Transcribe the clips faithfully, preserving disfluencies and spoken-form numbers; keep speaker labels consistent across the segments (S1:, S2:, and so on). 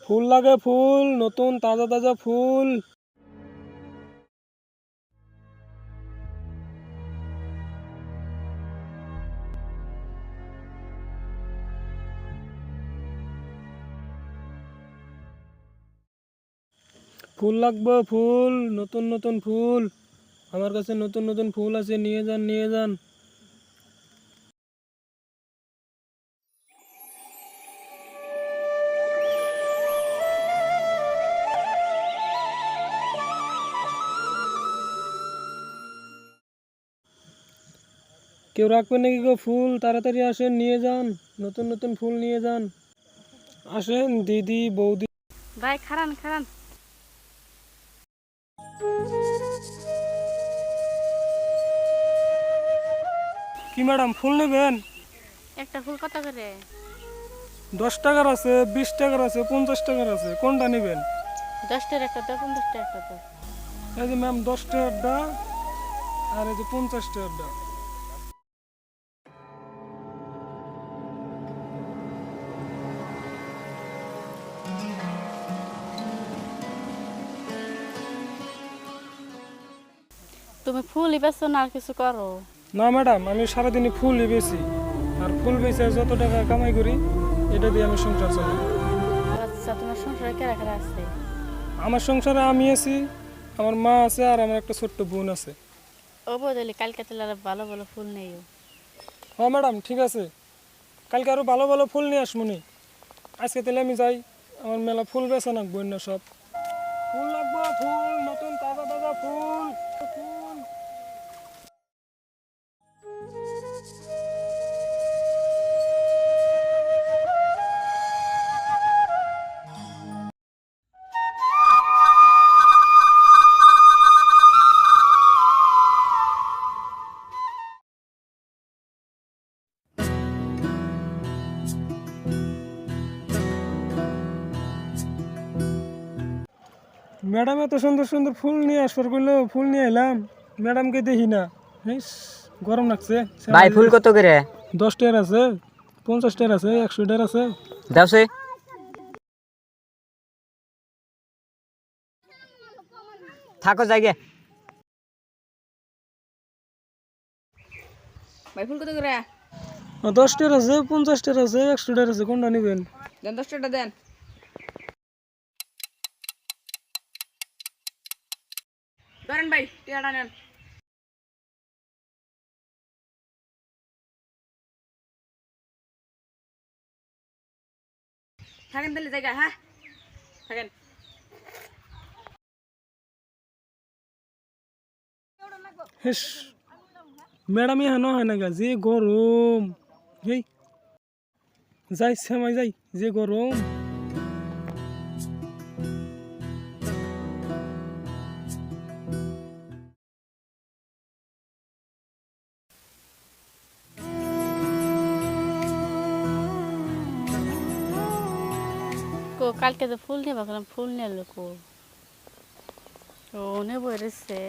S1: ফুল লাগে, ফুল নতুন তাজা তাজা ফুল। ফুল লাগবে, ফুল নতুন নতুন ফুল। আমার কাছে নতুন নতুন ফুল আছে, নিয়ে যান নিয়ে যান। কেউ রাখবে নাকি গো ফুল? তাড়াতাড়ি আসেন, নিয়ে যান, নতুন নতুন ফুল নিয়ে যান। আসেন দিদি, বৌদি।
S2: ভাই খারান খারান।
S1: কি ম্যাডাম, ফুল নেবেন?
S2: একটা ফুল কত করে?
S1: দশ টাকার আছে, বিশ টাকার আছে, পঞ্চাশ টাকার আছে, কোনটা নেবেন?
S2: দশটার একটা তো পঞ্চাশটা একটা তো।
S1: এই যে ম্যাম, দশ টাকারটা আর এই যে পঞ্চাশ টাকারটা।
S2: তুমি ফুলই বেছো না আর কিছু করো?
S1: না ম্যাডাম, আমি সারাদিনই ফুলই বেশি, আর ফুল বেচে যত টাকা কামাই করি এটা দিয়ে আমি সংসার চালাই।
S2: আচ্ছা, তোমার সংসারে কেরা কেরা আছে?
S1: আমার সংসারে আমি আছি, আমার মা আছে, আর আমার একটা ছোট্ট বোন আছে।
S2: ও বদলি কালকে তাহলে আরো ভালো ভালো ফুল নেইও।
S1: হ্যাঁ ম্যাডাম, ঠিক আছে, কালকে আরো ভালো ভালো ফুল নিয়ে আসমুনি। আজকে তাহলে আমি যাই, আমার মেলা ফুল বেচা নাকবো না সব। ফুল লাগবো, ফুল নতুন তাজা তাজা ফুল ফুল। ম্যাডাম এত সুন্দর সুন্দর ফুল নিয়ে আসবার করলো, ফুল নিয়ে এলাম, ম্যাডামকে দেখি না। ইস, গরম লাগছে।
S3: ভাই ফুল কত করে?
S1: দশ টাকার আছে, পঞ্চাশ টাকার আছে, একশো টাকার আছে।
S3: দাওছে থাকো জায়গা।
S2: ভাই ফুল কত করে?
S1: দশ টাকার আছে, পঞ্চাশ টাকার আছে, একশো টাকার আছে, কোনটা নেবেন?
S2: দেন দশ টাকা দেন। ধরেন ভাই, টিয়াটা নেন। থাকেন তাহলে জায়গা, হ্যাঁ থাকেন।
S1: হেস, ম্যাডাম এখানে হয় না গা, যে গরম। এই যাই সেমাই যাই, যে গরম।
S2: কো কালকে তো ফুল নিয়ে ভাবলাম, ফুল নিয়ে এলো কো? ও নেবো এসছে।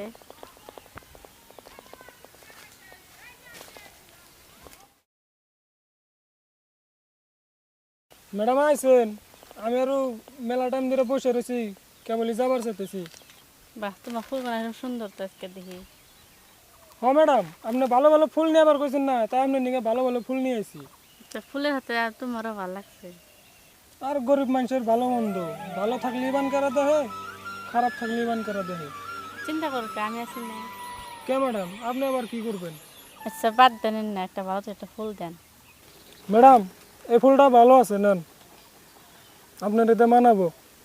S1: ম্যাডাম আইসেন, আমি আরো মেলা টাইম ধরে বসে রয়েছি, কেবলই যাবার চাইতেছি।
S2: বাহ, তোমার ফুল বানাই সুন্দর তো আজকে দেখি।
S1: হ্যাঁ ম্যাডাম, আপনি ভালো ভালো ফুল নিয়ে আবার কইছেন না, তাই আপনি নিকে ভালো ভালো ফুল নিয়ে আইছি।
S2: তা ফুলের হাতে আর তোমারও ভালো লাগছে।
S1: আর গরিব মানুষের ভালো মন্দ, ভালো থাকলে ইবান করা দেহে, খারাপ থাকলে ইবান করা দেহে।
S2: চিন্তা করো কি, আমি আছি না?
S1: কে ম্যাডাম, আপনি আবার কি করবেন?
S2: আচ্ছা বাদ দেন না, একটা ভালো তো একটা ফুল দেন।
S1: ম্যাডাম, এই ফুলটা ভালো আছে, নেন, আপনার এতে মানাবো।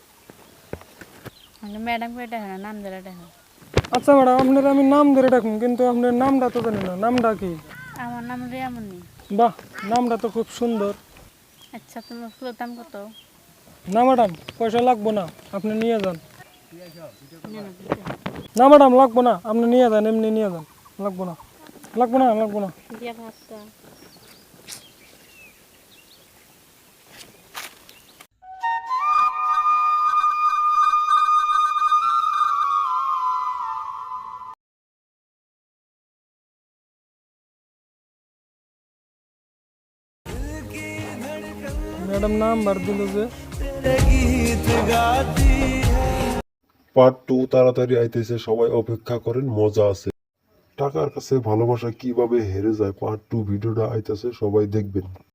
S2: ম্যাডাম এটা হয় না, নাম ধরে এটা হয়।
S1: আচ্ছা ম্যাডাম, আপনার আমি নাম ধরে ডাকুন, কিন্তু আপনার নামটা তো জানি না, নামটা কি?
S2: আমার নাম রিয়ামণি।
S1: বাহ, নামটা তো খুব সুন্দর।
S2: আচ্ছা, তোমার ফুলের দাম কত?
S1: না ম্যাডাম, পয়সা লাগবো না, আপনি নিয়ে যান। না ম্যাডাম, লাগবো না, আপনি নিয়ে যান, এমনি নিয়ে যান, লাগবো না, লাগবো না, লাগবো না।
S2: দিয়া ভাতটা।
S1: ম্যাডাম নাম্বার দিল যে।
S4: পার্ট টু তাড়াতাড়ি আইতেছে, সবাই অপেক্ষা করেন, মজা আছে। টাকার কাছে ভালোবাসা কিভাবে হেরে যায়, পার্ট টু ভিডিওটা আইতেছে, সবাই দেখবেন।